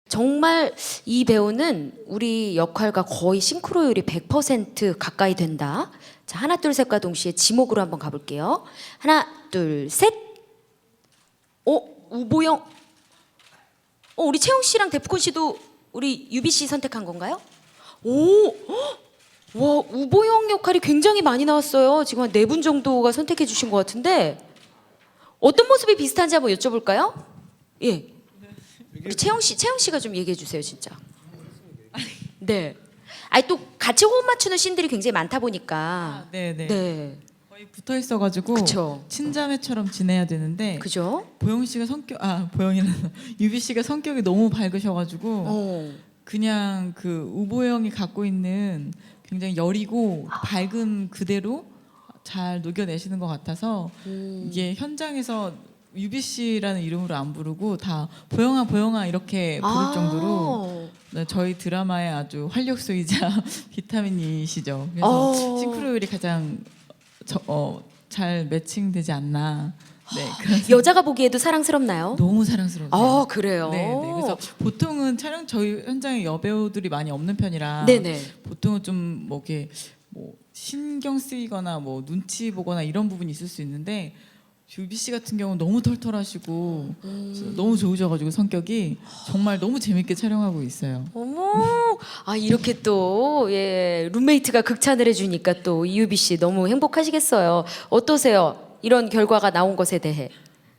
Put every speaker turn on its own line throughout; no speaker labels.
정말 이 배우는 우리 역할과 거의 싱크로율이 100% 가까이 된다. 자, 하나 둘 셋과 동시에 지목으로 한번 가볼게요. 하나 둘 셋. 우보영. 우리 채영 씨랑 데프콘 씨도 우리 유비 씨 선택한 건가요? 오, 와, 우보영 역할이 굉장히 많이 나왔어요. 지금 한 4분 정도가 선택해 주신 것 같은데 어떤 모습이 비슷한지 한번 여쭤볼까요? 예. 우리 채영 씨가 좀 얘기해 주세요, 진짜. 네. 아니 또 같이 호흡 맞추는 씬들이 굉장히 많다 보니까.
네네.
네.
거의 붙어 있어가지고
그쵸.
친자매처럼 지내야 되는데
그죠?
보영 씨가 보영이는 유비 씨가 성격이 너무 밝으셔가지고
어.
그냥 그 우보영이 갖고 있는 굉장히 여리고 밝은 그대로 잘 녹여내시는 것 같아서 이게 현장에서 유비 씨라는 이름으로 안 부르고 다 보영아 이렇게 부를 정도로 네, 저희 드라마의 아주 활력소이자 비타민이시죠. 그래서 싱크로율이 가장 잘 매칭되지 않나. 네, 그래서
여자가 보기에도 사랑스럽나요?
너무 사랑스러워요.
그래요.
네. 그래서 보통은 저희 현장에 여배우들이 많이 없는 편이라
네네.
보통은 좀 뭐 이렇게 뭐 신경 쓰이거나 뭐 눈치 보거나 이런 부분이 있을 수 있는데 유비 씨 같은 경우는 너무 털털하시고 너무 좋으셔가지고 성격이 정말 너무 재밌게 촬영하고 있어요.
어머, 이렇게 또 예, 룸메이트가 극찬을 해주니까 또 이유비 씨 너무 행복하시겠어요. 어떠세요? 이런 결과가 나온 것에 대해.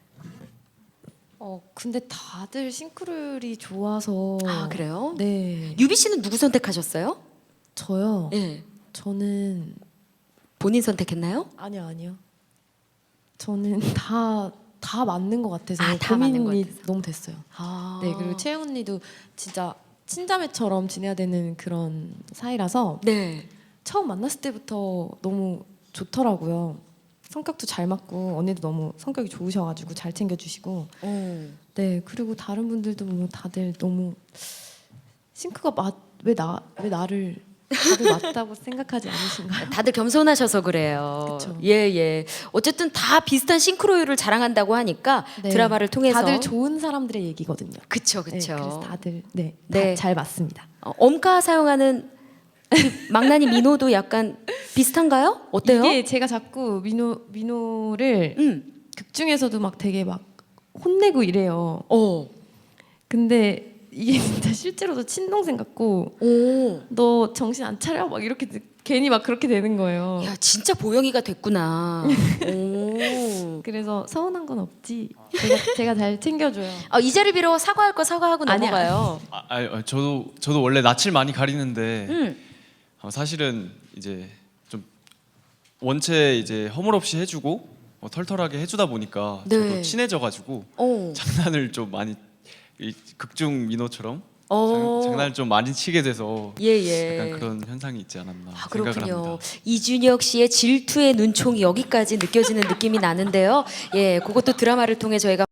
근데 다들 싱크로율이 좋아서.
그래요?
네.
유비 씨는 누구 선택하셨어요?
저요.
예.
저는
본인 선택했나요?
아니요. 저는 다 맞는 것 같아서
다 맞는 것
고민이
같아서.
너무 됐어요. 네, 그리고 채영 언니도 진짜 친자매처럼 지내야 되는 그런 사이라서
네.
처음 만났을 때부터 너무 좋더라고요. 성격도 잘 맞고 언니도 너무 성격이 좋으셔가지고 잘 챙겨주시고. 네, 그리고 다른 분들도 뭐 다들 너무 싱크가 왜 나를 다들 맞다고 생각하지 않으신가요?
다들 겸손하셔서 그래요.
그쵸.
예. 어쨌든 다 비슷한 싱크로율을 자랑한다고 하니까
네.
드라마를 통해서
다들 좋은 사람들의 얘기거든요.
그쵸.
네, 그래서 다들 네,
네.
잘 맞습니다.
엄카 사용하는 우리 망나니 민호도 약간 비슷한가요? 어때요?
이게 제가 자꾸 민호를 극 중에서도 막 되게 막 혼내고 이래요. 근데 이게 진짜 실제로도 친동생 같고 너 정신 안 차려? 막 이렇게 괜히 막 그렇게 되는 거예요.
야, 진짜 보영이가 됐구나. 오.
그래서 서운한 건 없지. 제가 잘 챙겨줘요.
이 자리 빌어 사과할 거 사과하고
아니야.
넘어가요.
저도 원래 낯을 많이 가리는데 사실은 이제 좀 원체 이제 허물없이 해주고 털털하게 해주다 보니까
네.
저도 친해져가지고 장난을 좀 많이 이 극중 민호처럼 장난을 좀 많이 치게 돼서
예.
약간 그런 현상이 있지 않았나 생각을
그렇군요.
합니다.
이준혁 씨의 질투의 눈총이 여기까지 느껴지는 느낌이 나는데요. 예, 그것도 드라마를 통해 저희가